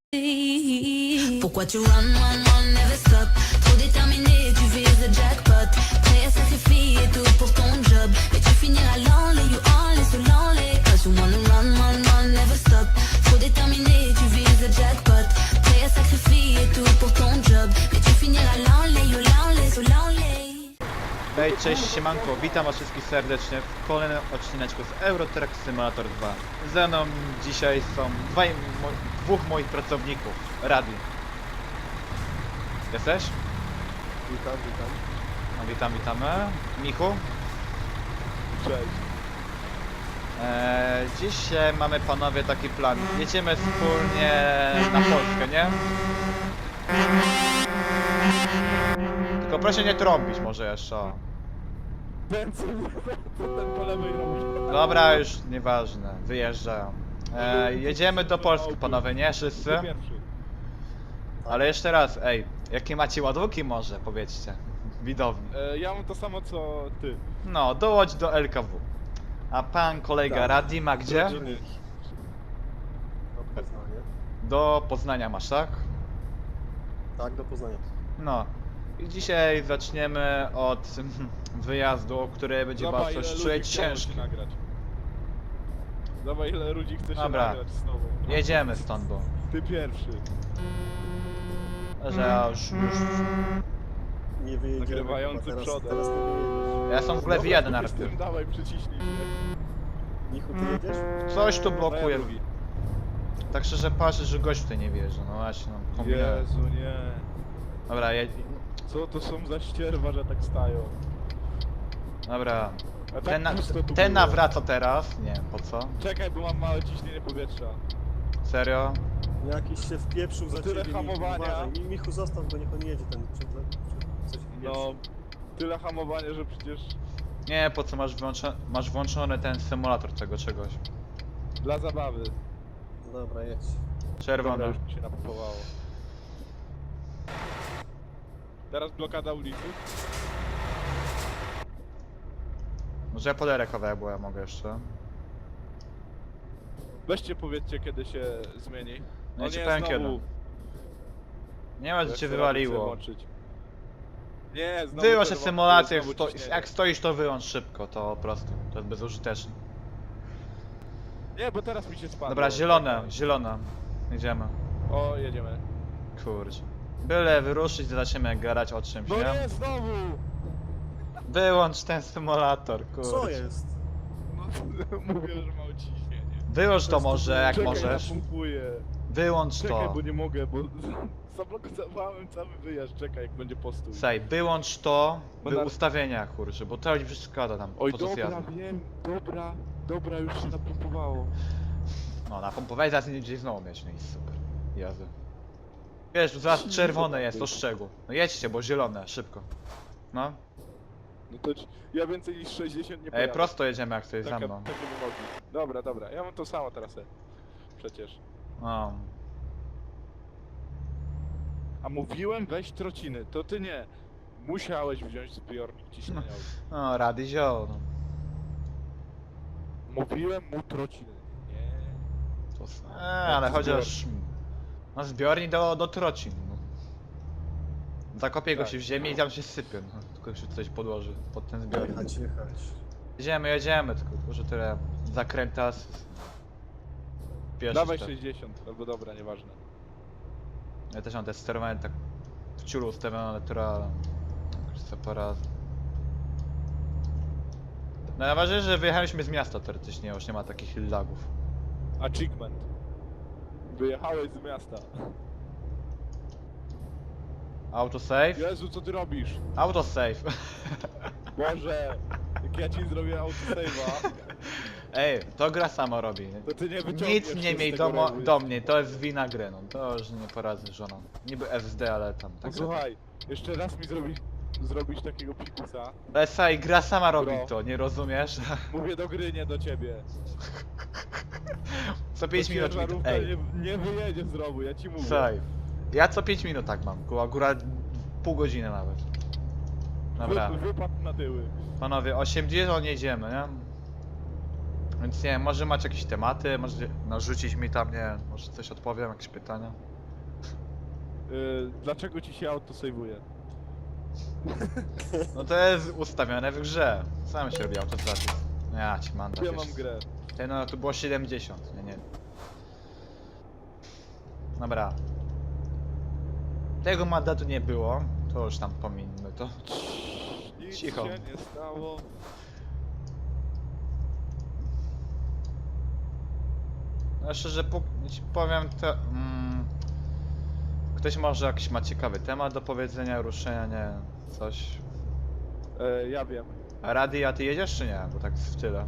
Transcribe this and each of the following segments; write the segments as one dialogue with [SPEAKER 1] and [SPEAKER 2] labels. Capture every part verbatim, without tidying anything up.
[SPEAKER 1] Pourquoi tu run, run, run, never stop? Trop déterminé, tu vises le jackpot. Prêt à sacrifier tout pour ton job. Mais tu finiras lonely, you only so lonely. Cause you wanna run, run, run, never stop. Trop déterminé, tu vises le jackpot. Prêt à sacrifier tout pour ton job. Mais tu finiras lonely, you lonely, so lonely.
[SPEAKER 2] Hej, cześć, siemanko, witam was wszystkich serdecznie w kolejnym odcineczku z Euro Truck Simulator dwa. Ze mną dzisiaj są dwaj, mo, dwóch moich pracowników, Radi. Jesteś?
[SPEAKER 3] Witam, witam.
[SPEAKER 2] No, witam, witamy. Michu?
[SPEAKER 3] Cześć.
[SPEAKER 2] Eee, dzisiaj mamy, panowie, taki plan. Jedziemy wspólnie na Polskę, nie? Tylko proszę nie trąbić może jeszcze. O.
[SPEAKER 3] Ten co, co ten po lewej robi?
[SPEAKER 2] Dobra, już nieważne, wyjeżdżają. Eee, jedziemy do Polski, panowie, nie? Wszyscy?
[SPEAKER 3] Ty pierwszy.
[SPEAKER 2] Ale jeszcze raz, ej, jakie macie ładunki może, powiedzcie, widowni.
[SPEAKER 3] E, ja mam to samo co ty.
[SPEAKER 2] No, dołącz do L K W. A pan kolega
[SPEAKER 3] Tak.
[SPEAKER 2] Radi ma gdzie?
[SPEAKER 3] Rodziny.
[SPEAKER 4] Do Poznania.
[SPEAKER 2] Do Poznania masz, tak?
[SPEAKER 4] Tak, do Poznania.
[SPEAKER 2] No. I dzisiaj zaczniemy od wyjazdu, który będzie
[SPEAKER 3] Zobacz,
[SPEAKER 2] bardzo
[SPEAKER 3] ile ludzi
[SPEAKER 2] czuć
[SPEAKER 3] chciało
[SPEAKER 2] ciężki.
[SPEAKER 3] się nagrać. Zobacz, ile ludzi chce się
[SPEAKER 2] Dobra.
[SPEAKER 3] nagrać z tobą.
[SPEAKER 2] Jedziemy stąd, bo...
[SPEAKER 3] Ty pierwszy.
[SPEAKER 2] Że ja już, już...
[SPEAKER 4] Nie wyjedziemy.
[SPEAKER 3] Nagrywający
[SPEAKER 4] chyba teraz,
[SPEAKER 3] przodem.
[SPEAKER 4] Teraz nie wyjedziesz.
[SPEAKER 2] Ja są w ogóle w jeden
[SPEAKER 3] na
[SPEAKER 2] najpierw.
[SPEAKER 3] Dawaj, przyciśnij mnie.
[SPEAKER 4] Michu, ty jedziesz?
[SPEAKER 2] Coś tu
[SPEAKER 3] No ja
[SPEAKER 2] blokuje.
[SPEAKER 3] drugi.
[SPEAKER 2] Tak szczerze patrzę, że gość tutaj nie wierzy, no właśnie, no kombinuję.
[SPEAKER 3] Jezu, nie.
[SPEAKER 2] Dobra, jedź...
[SPEAKER 3] Co to są za ścierwa, że tak stają?
[SPEAKER 2] Dobra.
[SPEAKER 3] A tak
[SPEAKER 2] Ten, na,
[SPEAKER 3] pusto tu
[SPEAKER 2] ten
[SPEAKER 3] było.
[SPEAKER 2] nawraca teraz? Nie, po co?
[SPEAKER 3] Czekaj, bo mam małe ciśnienie powietrza.
[SPEAKER 2] Serio?
[SPEAKER 4] Jakiś się wpieprzył za
[SPEAKER 3] No tyle
[SPEAKER 4] ciebie.
[SPEAKER 3] hamowania.
[SPEAKER 4] Michu, uważaj. Mi- Michu, zostaw go, niech on jedzie ten. Czy, czy coś
[SPEAKER 3] No,
[SPEAKER 4] wpieprzył.
[SPEAKER 3] tyle hamowania, że przecież
[SPEAKER 2] Nie, po co masz, wyłączo masz włączony ten symulator tego czegoś?
[SPEAKER 3] dla zabawy.
[SPEAKER 4] Dobra, jedź.
[SPEAKER 3] Dobra,
[SPEAKER 2] Czerwony.
[SPEAKER 3] już mi się napompowało. Teraz blokada ulicy.
[SPEAKER 2] Może ja poderę kawałek, bo ja mogę jeszcze.
[SPEAKER 3] Weźcie powiedzcie, kiedy się zmieni.
[SPEAKER 2] No
[SPEAKER 3] O
[SPEAKER 2] ja ci
[SPEAKER 3] nie,
[SPEAKER 2] powiem
[SPEAKER 3] znowu.
[SPEAKER 2] kiedy. Nie ma, że
[SPEAKER 3] Ja
[SPEAKER 2] cię
[SPEAKER 3] chcę
[SPEAKER 2] wywaliło.
[SPEAKER 3] włączyć. Nie, znowu
[SPEAKER 2] Wyłącz
[SPEAKER 3] czerwony,
[SPEAKER 2] symulację, jak,
[SPEAKER 3] znowu
[SPEAKER 2] sto
[SPEAKER 3] ciśnienie.
[SPEAKER 2] jak stoisz to wyłącz szybko, to po prostu. To jest bezużyteczne.
[SPEAKER 3] Nie, bo teraz mi się spadło.
[SPEAKER 2] Dobra, zielone,
[SPEAKER 3] Czekaj.
[SPEAKER 2] zielone. Jedziemy.
[SPEAKER 3] O, jedziemy.
[SPEAKER 2] Kurczę. Byle wyruszyć, zaczniemy gadać o czymś,
[SPEAKER 3] No
[SPEAKER 2] nie?
[SPEAKER 3] nie, znowu!
[SPEAKER 2] Wyłącz ten symulator, kurczę.
[SPEAKER 4] Co jest?
[SPEAKER 3] No, mówię, że mało ciśnienie.
[SPEAKER 2] Wyłącz to może, jak
[SPEAKER 3] Czekaj,
[SPEAKER 2] możesz.
[SPEAKER 3] napompuję.
[SPEAKER 2] Wyłącz
[SPEAKER 3] Czekaj,
[SPEAKER 2] to.
[SPEAKER 3] bo nie mogę, bo zablokowałem cały wyjazd. Czekaj, jak będzie postój.
[SPEAKER 2] Sej, wyłącz to
[SPEAKER 3] Bo
[SPEAKER 2] w
[SPEAKER 3] na-
[SPEAKER 2] ustawieniach, kurczę, bo to ci przeszkadza tam
[SPEAKER 3] Oj,
[SPEAKER 2] podczas
[SPEAKER 3] dobra,
[SPEAKER 2] jazdy.
[SPEAKER 3] wiem, dobra, dobra, już się napompowało.
[SPEAKER 2] No, napompowałeś, zaraz nie gdzieś znowu mieć, no i super. Jazdy. Wiesz, tu zaraz czerwone jest, to szczegół. No jedźcie, bo zielone, szybko. No.
[SPEAKER 3] No to ci- ja więcej niż sześćdziesiąt nie
[SPEAKER 2] Ej,
[SPEAKER 3] pojadę.
[SPEAKER 2] prosto jedziemy jak coś za
[SPEAKER 3] Taka,
[SPEAKER 2] mną.
[SPEAKER 3] takie wymogi. Dobra, dobra, ja mam to samo teraz. e. Przecież.
[SPEAKER 2] No.
[SPEAKER 3] A mówiłem weź trociny, to ty nie. Musiałeś wziąć zbiornik ciśnieniowy.
[SPEAKER 2] No, rady zioł, no.
[SPEAKER 3] Mówiłem mu trociny. Nie.
[SPEAKER 2] To... Eee, ale chociaż... No zbiornik do, do trocin, no. Zakopię go
[SPEAKER 3] Tak.
[SPEAKER 2] się w ziemię i tam się sypie, no. Tylko się coś podłoży pod ten zbiornik.
[SPEAKER 4] Jechać, jechać.
[SPEAKER 2] Jedziemy, jedziemy, tylko tylko, że tyle zakręta z... Pierwszy
[SPEAKER 3] Dawaj
[SPEAKER 2] step.
[SPEAKER 3] sześćdziesiąt, albo dobra, nieważne.
[SPEAKER 2] Ja też mam te sterowanie tak w ciulu ustawione naturalne. Jakoś separat. No najważniejsze, że wyjechaliśmy z miasta teoretycznie, już nie ma takich lagów.
[SPEAKER 3] Achievement. Wyjechałeś z miasta.
[SPEAKER 2] Autosave?
[SPEAKER 3] Jezu, co ty robisz?
[SPEAKER 2] Autosave.
[SPEAKER 3] Boże, jak ja ci zrobię autosave'a,
[SPEAKER 2] Ej, to gra sama robi.
[SPEAKER 3] to ty nie wyciągniesz
[SPEAKER 2] Nic
[SPEAKER 3] się
[SPEAKER 2] nie
[SPEAKER 3] z
[SPEAKER 2] miej
[SPEAKER 3] tego
[SPEAKER 2] do, mo-
[SPEAKER 3] rowu.
[SPEAKER 2] do mnie, to jest wina gry, no. To już nie poradzę żoną. Niby S D, ale tam tak.
[SPEAKER 3] Posłuchaj, jeszcze raz mi zrobisz, zrobisz takiego pikusa.
[SPEAKER 2] Ale słuchaj, gra sama robi
[SPEAKER 3] Bro.
[SPEAKER 2] to, nie rozumiesz?
[SPEAKER 3] Mówię do gry, nie do ciebie.
[SPEAKER 2] Co pięć
[SPEAKER 3] To
[SPEAKER 2] minut mi to...
[SPEAKER 3] ciężarówka
[SPEAKER 2] Ej,
[SPEAKER 3] nie, nie wyjedzie z rowu, ja ci mówię.
[SPEAKER 2] słuchaj. Ja co pięć minut tak mam, ku- akurat pół godziny nawet. Dobra,
[SPEAKER 3] Wy, wypadł na tyły.
[SPEAKER 2] panowie, osiemdziesiąt jedziemy, nie? Więc nie wiem, może macie jakieś tematy, może narzucić mi tam, nie wiem, może coś odpowiem, jakieś pytania.
[SPEAKER 3] Yy, dlaczego ci się autosejwuje?
[SPEAKER 2] No to jest ustawione w grze. Sam się robi autostraty. Ja ci mam
[SPEAKER 3] Ja mam grę.
[SPEAKER 2] Ty no tu było siedemdziesiąt, nie nie. Dobra. Tego mandatu nie było, to już tam pomińmy to.
[SPEAKER 3] Nic
[SPEAKER 2] Cicho.
[SPEAKER 3] się nie stało.
[SPEAKER 2] No szczerze po, ci powiem to... Mm, ktoś może jakiś ma ciekawy temat do powiedzenia, ruszenia, nie coś.
[SPEAKER 3] E, ja wiem.
[SPEAKER 2] A Rady, a ty jedziesz czy nie? Bo tak w tyle.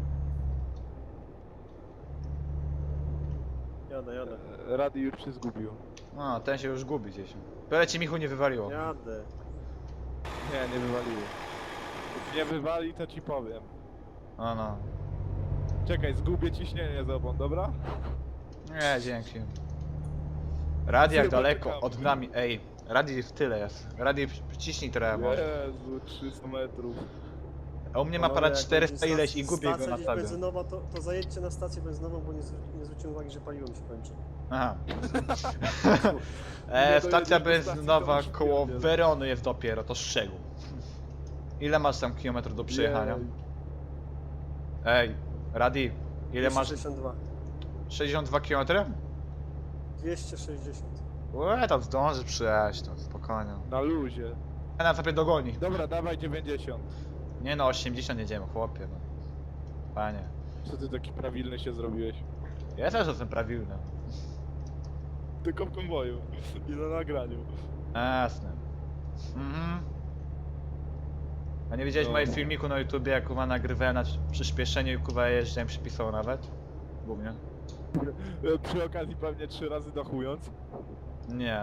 [SPEAKER 4] Jadę, jadę.
[SPEAKER 3] E, Rady już się zgubił.
[SPEAKER 2] No, ten się już gubi gdzieś. Byle ci Michu nie wywaliło.
[SPEAKER 4] Jadę.
[SPEAKER 3] Nie, nie wywaliło. Jak nie wywali, to ci powiem.
[SPEAKER 2] No no.
[SPEAKER 3] Czekaj, zgubię ciśnienie z obą, dobra?
[SPEAKER 2] Nie, dzięki. Rady jak
[SPEAKER 3] Chyba
[SPEAKER 2] daleko
[SPEAKER 3] czekamy.
[SPEAKER 2] od nami, ej. Rady w tyle jest. Rady przyciśnij trochę może.
[SPEAKER 3] Jezu, trzysta metrów.
[SPEAKER 2] A u mnie ma
[SPEAKER 4] Panowie,
[SPEAKER 2] ponad
[SPEAKER 4] jak
[SPEAKER 2] czterysta
[SPEAKER 4] będzie
[SPEAKER 2] ileś i
[SPEAKER 4] stac-
[SPEAKER 2] gubię go
[SPEAKER 4] stacja
[SPEAKER 2] na
[SPEAKER 4] gdzieś
[SPEAKER 2] sobie.
[SPEAKER 4] benzynowa, to, to zajedźcie na stację benzynową, bo nie, zw- nie zwróciłem uwagi, że paliwo mi się kończy.
[SPEAKER 2] Aha.
[SPEAKER 3] Nie
[SPEAKER 2] E, stacja
[SPEAKER 3] dojedziesz do stacji,
[SPEAKER 2] benzynowa
[SPEAKER 3] to
[SPEAKER 2] koło
[SPEAKER 3] już pierdziel.
[SPEAKER 2] Werony jest dopiero, to szczegół. Ile masz tam kilometrów do przejechania?
[SPEAKER 3] Jej.
[SPEAKER 2] Ej, Radi, ile masz?
[SPEAKER 4] dwieście sześćdziesiąt dwa.
[SPEAKER 2] sześćdziesiąt dwa kilometry?
[SPEAKER 4] dwieście sześćdziesiąt.
[SPEAKER 2] Łe, tam zdąży przyjechać, to spokojnie.
[SPEAKER 3] Na luzie.
[SPEAKER 2] Ja na sobie dogoni.
[SPEAKER 3] Dobra, dawaj dziewięćdziesiąt.
[SPEAKER 2] Nie no, osiemdziesiąt jedziemy, chłopie, no. Panie.
[SPEAKER 3] Co ty taki prawilny się zrobiłeś?
[SPEAKER 2] Ja też jestem prawilny.
[SPEAKER 3] Tylko w konwoju. I na nagraniu.
[SPEAKER 2] Jasne. Mhm. A nie widziałeś
[SPEAKER 3] No.
[SPEAKER 2] mojego filmiku na YouTubie, jak kuwa nagrywałem na przyspieszeniu i kuwa jeździłem, przypisał nawet? Głównie.
[SPEAKER 3] E, Przy okazji pewnie trzy razy dachując.
[SPEAKER 2] Nie.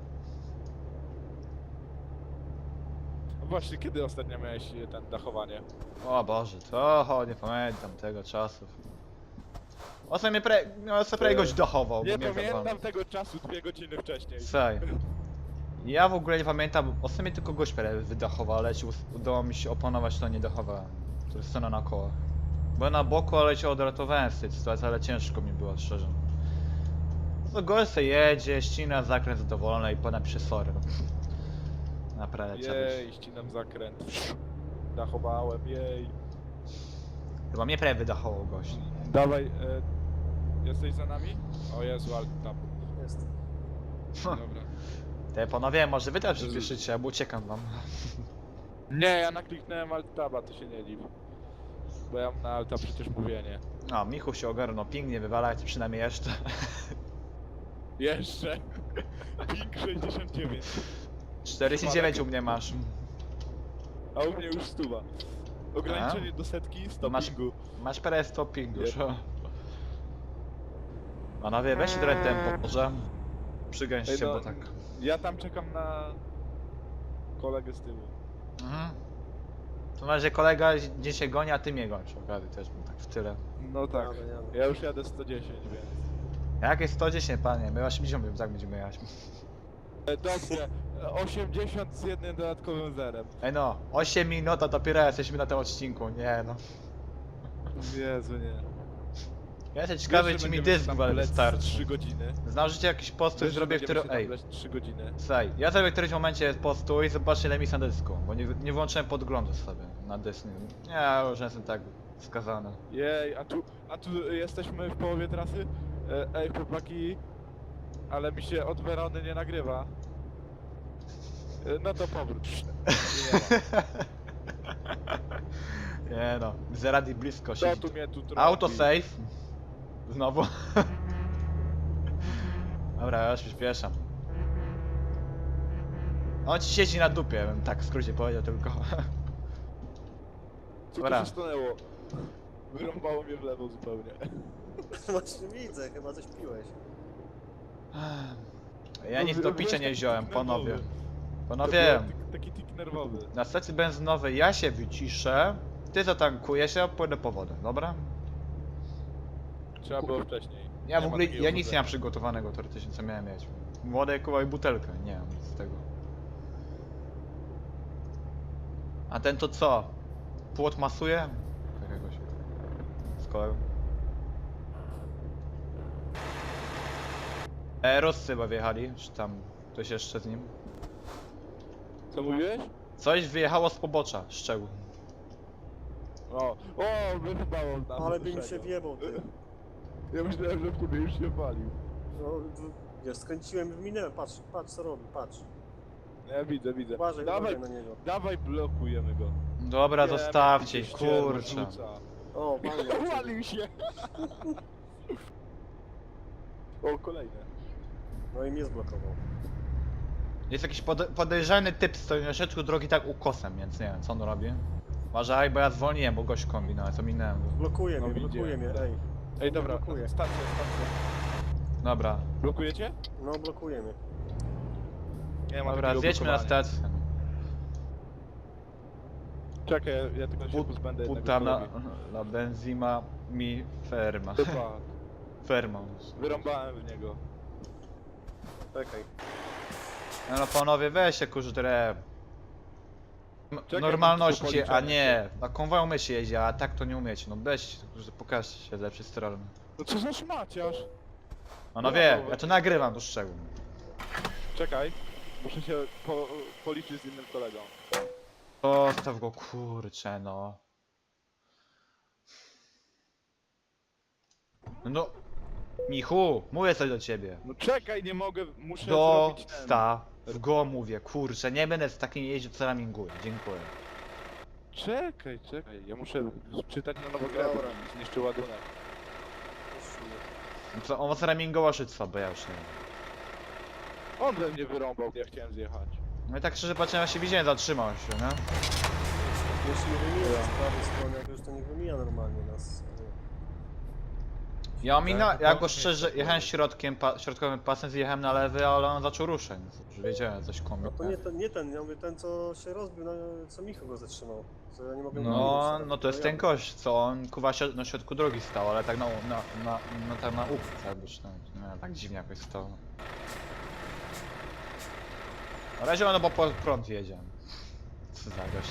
[SPEAKER 3] A właśnie, kiedy ostatnio miałeś e, ten dachowanie?
[SPEAKER 2] O Boże, to o, nie pamiętam tego czasów. Ostatnio mnie pre... no, sobie prawie goś dochował, bo
[SPEAKER 3] Nie
[SPEAKER 2] mnie
[SPEAKER 3] pamiętam
[SPEAKER 2] zawalał.
[SPEAKER 3] tego czasu, dwie godziny wcześniej.
[SPEAKER 2] Saj. Ja w ogóle nie pamiętam, ostatnio tylko gość prawie wydachował, ale ci us- udało mi się opanować, to nie dachowałem. To jest scena na kołach. Byłem na boku, ale cię odratowałem z tej sytuacji, ale ciężko mi było, szczerze. No gość se jedzie, ścina zakręt zadowolony i ponapisze sorry. No. Naprawdę trzeba być.
[SPEAKER 3] Jej, ścinam zakręt. Dachowałem, jej.
[SPEAKER 2] Chyba mnie prawie wydachował gość.
[SPEAKER 3] Dawaj, e, jesteś za nami? O Jezu, ale tam.
[SPEAKER 4] Jest.
[SPEAKER 3] Dobra.
[SPEAKER 2] Te panowie, może wy też przyspieszycie, bo uciekam wam.
[SPEAKER 3] Nie, ja nakliknąłem alt-taba, to się nie dziw. Bo ja mam na alta przecież mówienie.
[SPEAKER 2] No, Michu się ogarnął, pięknie wywalać, przynajmniej jeszcze.
[SPEAKER 3] Jeszcze. Ping sześćdziesiąt dziewięć.
[SPEAKER 2] czterdzieści dziewięć u mnie masz.
[SPEAKER 3] A u mnie już stuwa. Ograniczenie do setki, sto
[SPEAKER 2] Masz-
[SPEAKER 3] pingu.
[SPEAKER 2] Masz parę stopping już.
[SPEAKER 3] Nie.
[SPEAKER 2] Panowie, weźcie trochę tempo, może? Przygęście,
[SPEAKER 3] Ej, no,
[SPEAKER 2] bo tak.
[SPEAKER 3] Ja tam czekam na kolegę z tyłu.
[SPEAKER 2] Mhm. To na razie kolega gdzieś się goni, a ty mnie gonisz. Okazji też bym tak w tyle.
[SPEAKER 3] No tak.
[SPEAKER 4] Jadę, jadę.
[SPEAKER 3] Ja już jadę sto dziesięć, więc.
[SPEAKER 2] Jakieś sto dziesięć, panie, my osiemdziesiąt bym tak będziemy jechać.
[SPEAKER 3] E, Dobrze, e, osiemdziesiąt z jednym dodatkowym zerem.
[SPEAKER 2] Ej no, osiem minut, a dopiero jesteśmy na tym odcinku, nie no.
[SPEAKER 3] Jezu, nie.
[SPEAKER 2] Ja jestem ciekawy,
[SPEAKER 3] Wiesz, że
[SPEAKER 2] czy mi
[SPEAKER 3] będziemy
[SPEAKER 2] dysk
[SPEAKER 3] tam
[SPEAKER 2] w ogóle
[SPEAKER 3] lec
[SPEAKER 2] wystarczy.
[SPEAKER 3] trzy godziny.
[SPEAKER 2] Znalżycie jakiś postój,
[SPEAKER 3] Wiesz, że
[SPEAKER 2] zrobię,
[SPEAKER 3] będziemy
[SPEAKER 2] który...
[SPEAKER 3] się tam
[SPEAKER 2] Ej,
[SPEAKER 3] lec trzy godziny.
[SPEAKER 2] słuchaj, ja zrobię w którymś momencie postój i zobaczę ile mi jest na dysku, bo nie, nie włączyłem podglądu sobie na dysk. Nie, ja już jestem tak skazany.
[SPEAKER 3] Jej, a tu, a tu jesteśmy w połowie trasy? E, Ej, chłopaki, ale mi się od Werony nie nagrywa. E, No to powrót. Nie ma.
[SPEAKER 2] Nie no, Zeradi blisko
[SPEAKER 3] Co
[SPEAKER 2] siedzi.
[SPEAKER 3] tu mnie tu trąbi?
[SPEAKER 2] Autosave. Znowu. Dobra, ja już przyspieszam. On ci siedzi na dupie, bym tak w skrócie powiedział tylko.
[SPEAKER 3] Co tu
[SPEAKER 2] Dobra.
[SPEAKER 3] się stanęło? Wyrąbało mnie w lewo zupełnie.
[SPEAKER 4] Właśnie widzę, chyba coś piłeś.
[SPEAKER 2] Ja nic do picia nie wziąłem, panowie.
[SPEAKER 3] To
[SPEAKER 2] Panowie,
[SPEAKER 3] był tik- Taki tik nerwowy.
[SPEAKER 2] na stacji benzynowej ja się wyciszę, ty zatankujesz, ja pójdę po wodę, dobra?
[SPEAKER 3] Trzeba było wcześniej.
[SPEAKER 2] Ja w
[SPEAKER 3] ma
[SPEAKER 2] ogóle,
[SPEAKER 3] takiego
[SPEAKER 2] ja nic nie
[SPEAKER 3] chodzenia.
[SPEAKER 2] mam przygotowanego teoretycznie, co miałem mieć. Wodę, kuła i butelkę, nie mam nic z tego. A ten to co? Płot masuje? Jakiegoś. Z kolegą. E, Ruscy chyba wjechali, czy tam Ktoś jeszcze z nim?
[SPEAKER 3] Co mówiłeś?
[SPEAKER 2] Coś wyjechało z pobocza, szczegół.
[SPEAKER 3] O, o, wychybało nam.
[SPEAKER 4] Ale by mi się
[SPEAKER 3] wyszedł.
[SPEAKER 4] wjebał, ty.
[SPEAKER 3] Ja myślałem, że w tobie już się palił.
[SPEAKER 4] No, w- wiesz, skręciłem i wyminęłem, patrz, patrz co robi, patrz.
[SPEAKER 3] Ja widzę, widzę.
[SPEAKER 4] Uważaj,
[SPEAKER 3] Dawaj,
[SPEAKER 4] uważaj na niego.
[SPEAKER 3] dawaj, blokujemy go.
[SPEAKER 2] Dobra,
[SPEAKER 3] Wiemy,
[SPEAKER 2] zostawcie,
[SPEAKER 3] jakiś ścierwo
[SPEAKER 2] kurczę.
[SPEAKER 3] rzuca.
[SPEAKER 4] O, walnie.
[SPEAKER 3] Uwalił się! O, kolejne.
[SPEAKER 4] No i mnie zblokował.
[SPEAKER 2] Jest jakiś pode podejrzany typ stoi na środku drogi tak ukosem, więc nie wiem co on robi. Uważaj, bo ja zwolniłem, bo gość kombinuje, co minąłem go.
[SPEAKER 4] Blokuje
[SPEAKER 3] No,
[SPEAKER 4] mnie, blokuje
[SPEAKER 3] widziałem,
[SPEAKER 4] mnie,
[SPEAKER 3] tak.
[SPEAKER 4] ej.
[SPEAKER 3] Ej, dobra,
[SPEAKER 4] blokuje.
[SPEAKER 3] stacja, stacja.
[SPEAKER 2] Dobra,
[SPEAKER 3] Blokujecie?
[SPEAKER 4] No, blokuje mnie.
[SPEAKER 3] Nie ma
[SPEAKER 2] dobra,
[SPEAKER 3] takiego
[SPEAKER 2] zjedźmy na
[SPEAKER 3] blokowania.
[SPEAKER 2] stację.
[SPEAKER 3] Czekaj, ja, ja tylko się
[SPEAKER 2] Put,
[SPEAKER 3] pozbędę jednego
[SPEAKER 2] puta na,
[SPEAKER 3] kolegi.
[SPEAKER 2] la benzima mi ferma.
[SPEAKER 3] Chyba,
[SPEAKER 2] Ferma.
[SPEAKER 3] wyrąbałem w niego.
[SPEAKER 4] Czekaj.
[SPEAKER 2] No, no panowie, weź się kurze
[SPEAKER 3] Czekaj,
[SPEAKER 2] normalności,
[SPEAKER 3] mam tu
[SPEAKER 2] a nie, na konwoju umie się jeździ, a tak to nie umiecie, no weź, kurze, pokażcie się z lepszej strony.
[SPEAKER 3] No co za szmaciarz?
[SPEAKER 2] Panowie, ja to nagrywam do szczegółu.
[SPEAKER 3] Czekaj, muszę się po, policzyć z innym kolegą.
[SPEAKER 2] Zostaw go, kurczę, no. No, Michu, mówię coś do ciebie.
[SPEAKER 3] No czekaj, nie mogę, muszę zrobić ten...
[SPEAKER 2] Dostaw go, mówię, kurczę, nie będę z takim jeździł, co raminguję, dziękuję.
[SPEAKER 3] Czekaj, czekaj, ja muszę czytać na nowo grę,
[SPEAKER 4] Dobra.
[SPEAKER 3] bo mi zniszczy ładunek.
[SPEAKER 2] No co, on was ramingował szyctwa, bo ja już nie wiem.
[SPEAKER 3] On we mnie wyrąbał, ja chciałem zjechać.
[SPEAKER 2] No i tak szczerze patrzę, ja się widziałem, zatrzymał się, nie?
[SPEAKER 4] Jeśli nie wymija z prawej strony, jak już to nie wymija normalnie nas.
[SPEAKER 2] Ja mina,
[SPEAKER 3] Tak,
[SPEAKER 2] ja
[SPEAKER 3] to
[SPEAKER 2] go
[SPEAKER 3] nie
[SPEAKER 2] szczerze,
[SPEAKER 3] jest
[SPEAKER 2] jechałem środkiem, pa, środkowym pasem, zjechałem na lewy, ale on zaczął ruszać, więc już wiedziałem, coś
[SPEAKER 4] No
[SPEAKER 2] kombi.
[SPEAKER 4] to nie ten, nie ten, ja mówię ten co się rozbił, no, co Michał go zatrzymał. Co ja nie mogę
[SPEAKER 2] No,
[SPEAKER 4] wymienić,
[SPEAKER 2] no to jest
[SPEAKER 4] ja-
[SPEAKER 2] ten gość, co on kuwa się na środku drogi stał, ale tak na, na, na, na, tak na ufce, jakby czy nie, nie, tak dziwnie jakoś stał. Na razie ono bo po prąd jedzie. Co za gość.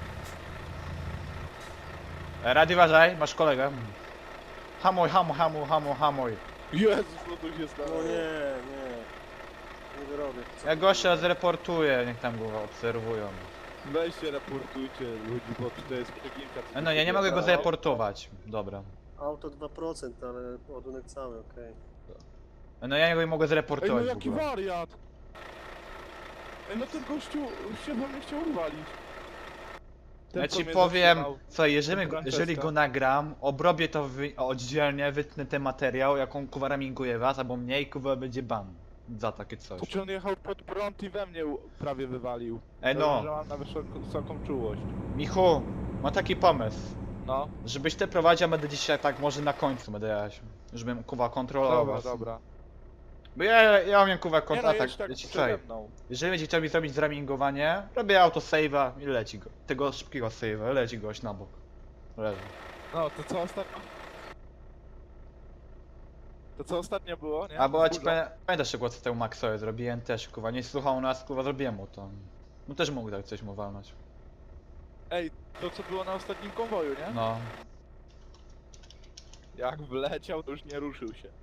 [SPEAKER 2] E, Rady uważaj, masz kolegę. Hamuj, hamuj, hamuj, hamuj, hamuj.
[SPEAKER 3] Jezus, co tu się stało?
[SPEAKER 4] No nie, nie. Nie wyrobię. Co
[SPEAKER 2] Ja
[SPEAKER 4] ty-
[SPEAKER 2] gościa zreportuję, niech tam go obserwują.
[SPEAKER 3] Weźcie, raportujcie ludzi, bo to jest przeginka. co
[SPEAKER 2] E, No
[SPEAKER 3] tu
[SPEAKER 2] ja nie
[SPEAKER 3] się
[SPEAKER 2] mogę go
[SPEAKER 3] stało.
[SPEAKER 2] zreportować. Dobra.
[SPEAKER 4] Auto dwa procent, ale ładunek cały, okej.
[SPEAKER 2] E, No ja nie mogę
[SPEAKER 3] Ej, no
[SPEAKER 2] zreportować w
[SPEAKER 3] jaki
[SPEAKER 2] ogóle.
[SPEAKER 3] wariat! Ej, no ten gościu się we mnie chciał uwalić. Ten,
[SPEAKER 2] Ja
[SPEAKER 3] co
[SPEAKER 2] ci
[SPEAKER 3] mnie
[SPEAKER 2] powiem,
[SPEAKER 3] zatrzymał.
[SPEAKER 2] co, jeżeli,
[SPEAKER 3] ten
[SPEAKER 2] go,
[SPEAKER 3] Francesca.
[SPEAKER 2] jeżeli go nagram, obrobię to wy, oddzielnie, wytnę ten materiał, jaką kuwa raminguje was, albo mniej, kuwa będzie ban. Za takie coś.
[SPEAKER 3] To czy on jechał pod prąd i we mnie u- prawie wywalił.
[SPEAKER 2] Ej
[SPEAKER 3] Dobrze,
[SPEAKER 2] no,
[SPEAKER 3] że mam na wysoką, wysoką czułość.
[SPEAKER 2] Michu, mam taki pomysł.
[SPEAKER 3] No,
[SPEAKER 2] Żebyś ty prowadził, a będę dzisiaj tak może na końcu będę jechać. Żebym kuwa kontrolował
[SPEAKER 3] dobra,
[SPEAKER 2] was.
[SPEAKER 3] dobra.
[SPEAKER 2] Bo ja, ja umiem kuwa
[SPEAKER 3] Nie no,
[SPEAKER 2] kontrolować.
[SPEAKER 3] jedź tak
[SPEAKER 2] Ja ci
[SPEAKER 3] przede
[SPEAKER 2] powiem.
[SPEAKER 3] mną.
[SPEAKER 2] Jeżeli będzie chciał mi zrobić zramingowanie, robię autosave'a i leci go. Tego szybkiego save'a, leci goś na bok. Leży.
[SPEAKER 3] No, to co ostatnio? To co ostatnio było, nie?
[SPEAKER 2] A bo ja ci
[SPEAKER 3] Burza.
[SPEAKER 2] pamię- pamiętasz jak co temu Maxowi zrobiłem też, kuwa, nie słuchał nas, kuwa, zrobiłem mu to. No też mógł tak coś mu walnąć.
[SPEAKER 3] Ej, to co było na ostatnim konwoju, nie?
[SPEAKER 2] No.
[SPEAKER 3] Jak wleciał, to już nie ruszył się.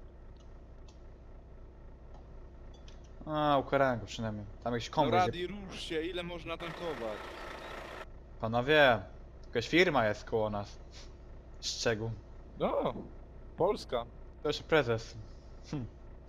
[SPEAKER 2] A, ukarałem go przynajmniej. Tam jakiś
[SPEAKER 3] No
[SPEAKER 2] konwój.
[SPEAKER 3] Radi, rusz się, ile można tankować?
[SPEAKER 2] Panowie, jakaś firma jest koło nas. Szczegół.
[SPEAKER 3] No, Polska.
[SPEAKER 2] To jeszcze prezes. Hm.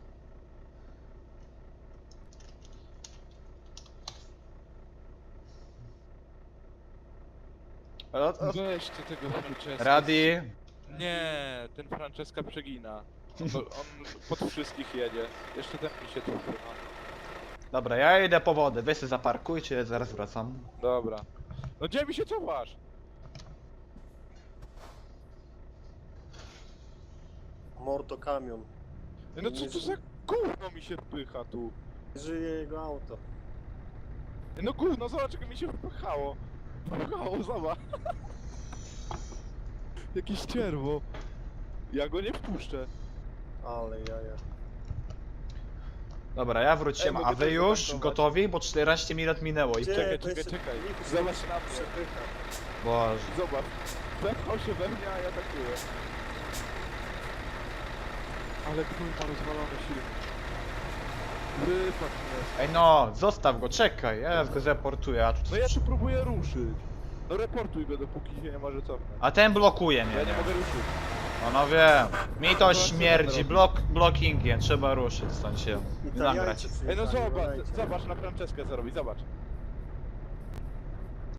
[SPEAKER 2] Ale o- o-
[SPEAKER 3] Weźcie tego Francesca.
[SPEAKER 2] Radi,
[SPEAKER 3] Nie, ten Francesca przegina. On, on pod wszystkich jedzie. Jeszcze ten mi się tu wpycha.
[SPEAKER 2] dobra, ja idę po wodę, wy się zaparkujcie, zaraz wracam.
[SPEAKER 3] Dobra. No gdzie mi się cofasz?
[SPEAKER 4] Morto kamion.
[SPEAKER 3] No co to za gówno mi się wpycha tu?
[SPEAKER 4] Żyje jego auto.
[SPEAKER 3] No gówno, zobacz jak mi się wpychało. Wpychało, zobacz. Jakieś cierwo. Ja go nie wpuszczę.
[SPEAKER 4] Ale jaja.
[SPEAKER 2] Dobra, ja
[SPEAKER 3] Ej,
[SPEAKER 2] wróciłem,
[SPEAKER 3] mogę
[SPEAKER 2] a wy
[SPEAKER 3] też
[SPEAKER 2] już
[SPEAKER 3] zatankować?
[SPEAKER 2] gotowi? Bo czternaście minut minęło i
[SPEAKER 4] Gdzie?
[SPEAKER 3] Czekaj,
[SPEAKER 4] To
[SPEAKER 3] czekaj,
[SPEAKER 4] jeszcze-
[SPEAKER 3] czekaj.
[SPEAKER 4] Michał się
[SPEAKER 3] Zobacz na mnie.
[SPEAKER 4] przepycha.
[SPEAKER 2] Boże.
[SPEAKER 3] Zobacz. Wepchał się we mnie, a ja atakuję. Ale kurwa rozwalony silnik. Wypadł mnie.
[SPEAKER 2] Ej no, zostaw go, czekaj, ja go zreportuję, a tu...
[SPEAKER 3] No ja tu próbuję ruszyć. No reportuj go, dopóki się nie może cofnąć.
[SPEAKER 2] A ten blokuje mnie,
[SPEAKER 3] Ja nie
[SPEAKER 2] nie?
[SPEAKER 3] mogę ruszyć.
[SPEAKER 2] Panowie, mi to
[SPEAKER 3] No, co
[SPEAKER 2] śmierdzi,
[SPEAKER 3] będę
[SPEAKER 2] blok, blockingiem, trzeba ruszyć stąd się.
[SPEAKER 4] I
[SPEAKER 2] I
[SPEAKER 4] Italiańcy
[SPEAKER 2] nagrać.
[SPEAKER 3] Ej no
[SPEAKER 4] przyjechali,
[SPEAKER 3] zobacz,
[SPEAKER 4] uważajcie.
[SPEAKER 3] zobacz na Franceskę co robi, zobacz.